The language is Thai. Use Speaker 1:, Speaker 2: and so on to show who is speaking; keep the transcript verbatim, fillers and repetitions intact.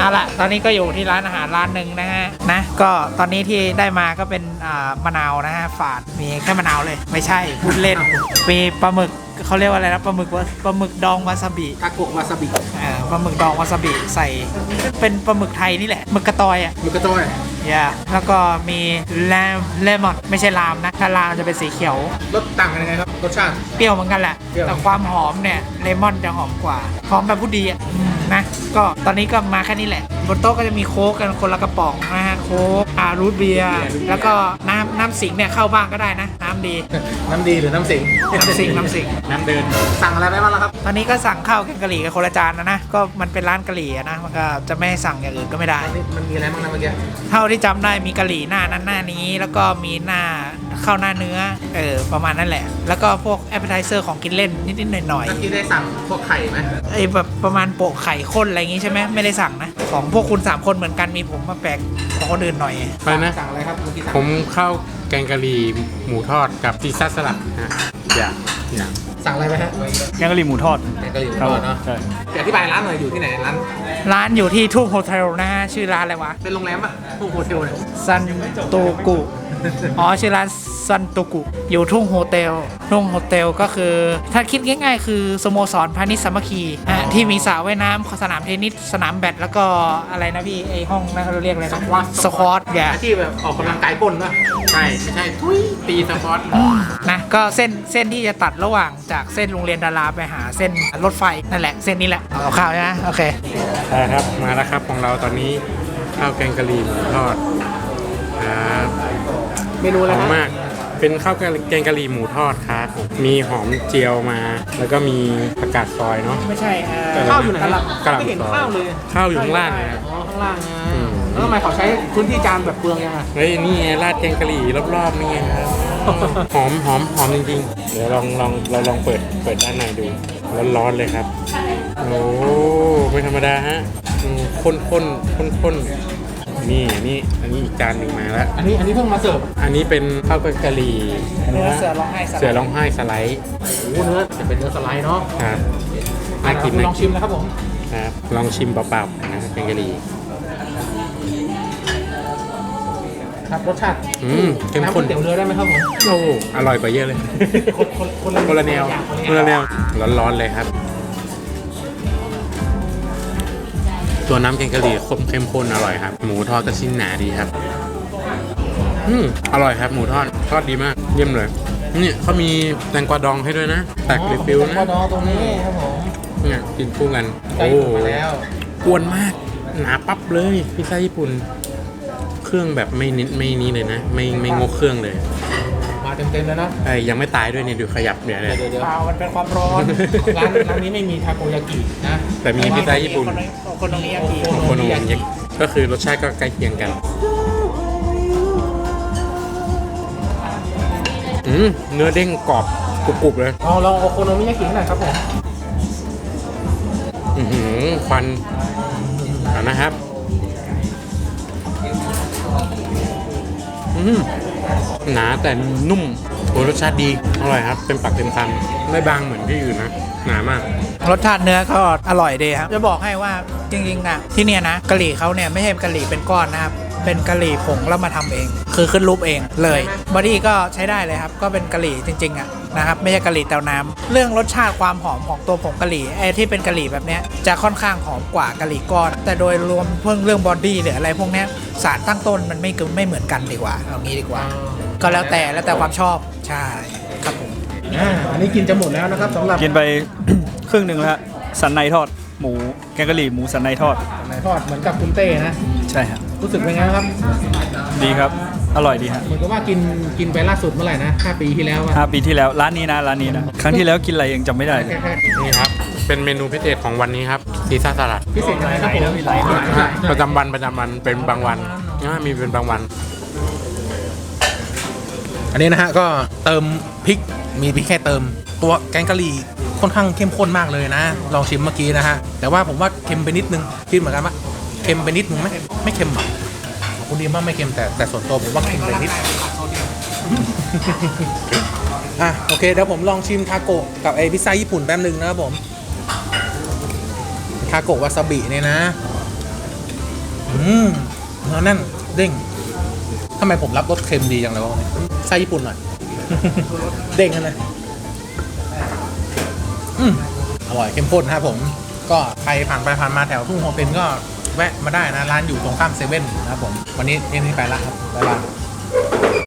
Speaker 1: เอาละตอนนี้ก็อยู่ที่ร้านอาหารร้านหนึ่งนะฮะนะก็ตอนนี้ที่ได้มาก็เป็นอ่ามะนาวนะฮะฝาดมีแค่มะนาวเลยไม่ใช่พูดเล่นมีปลาหมึกเขาเรียกว่าอะไรนะปลาหมึกว่าปลาหมึกดองวาซาบิ
Speaker 2: ทาโกะวาซาบิ
Speaker 1: เออปลาหมึกดองวาซาบิใส่เป็นปลาหมึกไทยนี่แหละหมึกกระตอยอ่ะ
Speaker 2: หมึกกระตอย
Speaker 1: อย่าแล้วก็มีแลมเลมอนไม่ใช่ลามนะถ้าลามจะเป็นสีเขียว
Speaker 2: รสต่างกันยังไงครับรสชาติ
Speaker 1: เปรี้ยวเหมือนกันแหละแต่ความหอมเนี่ยเลมอนจะหอมกว่าหอมแบบผู้ดีอ่ะนะก็ตอนนี้ก็มาแค่นี้แหละบนโต๊ะก็จะมีโค้กกันคนละกระป๋องนะฮะโค้กอารูทเบียร์แล้วก็น้ำน้ำสิงเนี่ยเข้าบ้างก็ได้นะน้ำดี
Speaker 2: น้ำดีหรือน้ำสิง
Speaker 1: น้ำสิงน้ำสิง
Speaker 2: น้ำเดินสั่งอะไรไปบ้างล่ะครับ
Speaker 1: ตอนนี้ก็สั่งข้าวแกงกะหรี่กับคนละจานนะนะก็มันเป็นร้านกะหรี่นะมันก็จะไม่ให้สั่งอย่างอื่นก็ไม่ได้
Speaker 2: มันมีอะไรบ้างนะเมื่อกี้
Speaker 1: เท่าที่จำได้มีกะหรี่หน้านั้นหน้านี้แล้วก็มีหน้าข้าวหน้าเนื้อเออประมาณนั้นแหละแล้วก็พวกแอปเปอร์ไทเซอร์ของกินเล่นนิดๆหน่อยๆ
Speaker 2: เมื่อกี้ได้สั่งพวกไข่ไหม
Speaker 1: ไอ้แบบประมาณโปะไข่ข้นอะไรอย่างงี้ใช่ไหมไม่ได้สั่งนะของพวกคุณสามคนเหมือนกันมีผมมาแปลกของคนอื่นหน่อย
Speaker 3: ไปนะ
Speaker 2: สั่งอะไรครับ
Speaker 3: ผมข้าวแกงกะหรี่หมูทอดกับซีซ่าสลัดนะอย่าอย่า
Speaker 2: สั่งอะไรไปฮะ
Speaker 4: แกงกะหรี่หมูทอด
Speaker 2: แกงกะหรี่หมูทอดเนาะ
Speaker 4: ใช่
Speaker 2: อธิบายร้านหน่อยอยู่ที่ไหนร้าน
Speaker 1: ร้านอยู่ที่ทุ่งโฮเทลนะฮะชื่อร้านอะไรวะ
Speaker 2: เป็นโรงแรมป่ะทุ่งโฮเทลเนี่ย
Speaker 1: ซันโตกุอ๋อชื่อร้านซันโตกุอยู่ทุ่งโฮเทลทุ่งโฮเทลก็คือถ้าคิดง่ายๆคือสโมสรพาณิชย์สามัคคีฮะที่มีสระว่ายน้ำสนามเทนนิสสนามแบดแล้วก็อะไรนะพี่ไอห้องนั่นเราเรียกอะไรนะสควอตอย่า
Speaker 2: ที่แบบออกกำลังกายก้นป่ะ
Speaker 3: ใช่ไม่ใช่ทุยตีสปอร์ต
Speaker 1: นะก็เส้นเส้นที่จะตัดระหว่างจากเส้นโรงเรียนดาราไปหาเส้นรถไฟนั่นแหละเส้นนี้แหละเอาข้าวใช่ไหมโอเค
Speaker 3: ใช่ครับมาแล้วครับของเราตอนนี้ข้าวแกงกะหรี่หมูทอดครับ
Speaker 2: เมนูอะไร
Speaker 3: มากเป็นข้าวแกงกะหรี่หมูทอดครับมีหอมเจียวมาแล้วก็มีผักกาดซอยเนาะ
Speaker 1: ไม่ใช่
Speaker 2: ข้าวอยู่ไหน
Speaker 3: กะหล่ำ
Speaker 2: ไม่เห็นข้าวเลย
Speaker 3: ข้าวอยู่ข้างล่างนะ
Speaker 2: อ๋อข้างล่างไงแล้วทำไมเขาใช้พื้นที่จานแบบเปลืองยังไง
Speaker 3: เฮ้ยนี่ราดแกงกะหรี่รอบๆนี่ครับหอมหอมหอมจริงๆเดี๋ยวลองลองเราลองเปิดเปิดด้านในดูร้อนๆเลยครับโอ้ไม่ธรรมดาฮะข้นข้นข้นข้นนี่นี่อันนี้อีกจานหนึ่งมาแล้ว
Speaker 2: อันนี้อันนี้เพิ่งมาเสิร์ฟ
Speaker 3: อันนี้เป็นข้าวแกงกะหรี่
Speaker 1: เนื้อเสือร้องไห้
Speaker 3: เสือร้องไห้สไลด์
Speaker 2: โอ้เนื้อจะเป็นเนื้อสไลด์เนาะ
Speaker 3: ครับน่ากิน
Speaker 2: ลองชิมนะครับผม
Speaker 3: ครับลองชิมเปล่าๆนะแกงกะหรี่
Speaker 2: ครับรสชาติ
Speaker 3: อืมเข้มข้น
Speaker 2: เตี๋ยวเรือได้ไหมครับผม
Speaker 3: โอ้อร่อยกว่าเยอะเลยคนละแนวคนละแนวร้อนๆเลยครับตัวน้ำแกงกะหรี่ข้นเข้มข้นอร่อยครับหมูทอดก็ชิ้นหนาดีครับอืมอร่อยครับหมูทอดทอดดีมากเยี่ยมเลยนี่เขามีแตงกวาดองให้ด้วยนะแตกริบปิ้วนะ
Speaker 2: แตงกวาดองตรงนี้ครับผม
Speaker 3: เนี่ยกินคู่กันโอ้กวนมากหนาปั๊บเลยพิซซ่าญี่ปุ่นเครื่องแบบไม่นิดไม่นี้เลยนะไม่ไม่งกเครื่องเลย
Speaker 2: มาเต็มๆเลยนะ
Speaker 3: ไอ้ยังไม่ตายด้วยเนี่ยดูขยับเนี่ยเลย
Speaker 1: เปล่ามันเป็นความร้อน
Speaker 2: ร้านร้านนี้ไม่มีทาโกยากินะ
Speaker 3: แต่มีพิซซ่าญี่ปุ่น
Speaker 1: คนตรงนี้ยากิ
Speaker 3: คนตรงนี้ก็คือรสชาติก็ใกล้เคียงกันอืมเนื้อเด้งกรอบกรุบๆเลย
Speaker 2: อ๋อลองโอโคโนมิยากิหน่อยครับผม
Speaker 3: อือหือควันนะครับอืมหนาแต่นุ่มโอ้รสชาติดีอร่อยครับเป็นปักเต็มคำไม่บางเหมือนที่อื่นนะหนามาก
Speaker 1: รสชาติเนื้อก็อร่อยดีครับจะบอกให้ว่าจริงๆนะที่เนี่ยนะกะหรี่เขาเนี่ยไม่ใช่กะหรี่เป็นก้อนนะครับเป็นกะหรี่ผงแล้วมาทำเองคือขึ้นรูปเองเลยบอดี้ก็ใช้ได้เลยครับก็เป็นกะหรี่จริงๆอ่ะนะครับไม่ใช่กะหรี่เตาน้ำเรื่องรสชาติความหอมของตัวผงกะหรี่ไอ้ที่เป็นกะหรี่แบบเนี้ยจะค่อนข้างหอมกว่ากะหรี่ก้อนแต่โดยรวมเพิ่งเรื่องบอดี้หรืออะไรพวกเนี้ยสารตั้งต้นมันไม่ไม่เหมือนกันดีกว่าเอางี้ดีกว่าก็แล้วแต่แล้วแต่ความชอบใช่ครับผม
Speaker 2: อ่าอันนี้กินจะหมดแล้วนะครับสำหรับ
Speaker 4: กินไป ครึ่งหนึ่งแล้วสันในทอดหมูแกงกะหรี่หมูสันในทอด
Speaker 2: สันในทอดเหมือนกับคุณเต้นะ
Speaker 4: ใช่ครับ
Speaker 2: รู้สึกเป็นไงครับ
Speaker 4: ดีครับอร่อยดีฮะ
Speaker 2: เหมือนกับว่ากินกินไปล่าสุดเมื่อไหร่นะห้าปีที่แล้ว
Speaker 4: ห้าปีที่แล้วร้านนี้นะร้านนี้นะครั้งที่แล้วกินอะไรยังจำไม่ได้
Speaker 3: นี่ครับเป็นเมนูพิเศษของวันนี้ครับซีซ่าสลัด
Speaker 2: พิเศษอะไรครับผม
Speaker 3: ประจำวันประจำวันเป็นบางวันมีเป็นบางวัน
Speaker 2: อันนี้นะฮะก็เติมพริกมีพริกแค่เติมตัวแกงกะหรี่ค่อนข้างเข้มข้นมากเลยนะลองชิมเมื่อกี้นะฮะแต่ว่าผมว่าเค็มไปนิดนึงคิดเหมือนกันปะเค็มไปนิดนึงไหมไม่เค็มหรอกคุณดีมากไม่เค็มแต่แต่ส่วนตัวผมว่าเค็มไปนิดอ่ะโอเคเดี๋ยวผมลองชิมทาโกะกับไอพิซซ่าญี่ปุ่นแป๊บนึงนะครับผมทาโกะวาซาบิเนี่ยนะมเนื้อแน่นเด้งทำไมผมรับรสเค็มดีจังเลยวะเนี่ยไส้ญี่ปุ่นหน่อย เด้งกันเลยอืมอร่อยเข้มข้นครับผมก็ใครผ่านไปผ่านมาแถวทุ่งโฮเซนก็แวะมาได้นะร้านอยู่ตรงข้ามเซเว่นนะครับผมวันนี้เอ็มนี่ไปละครับบ๊ายบาย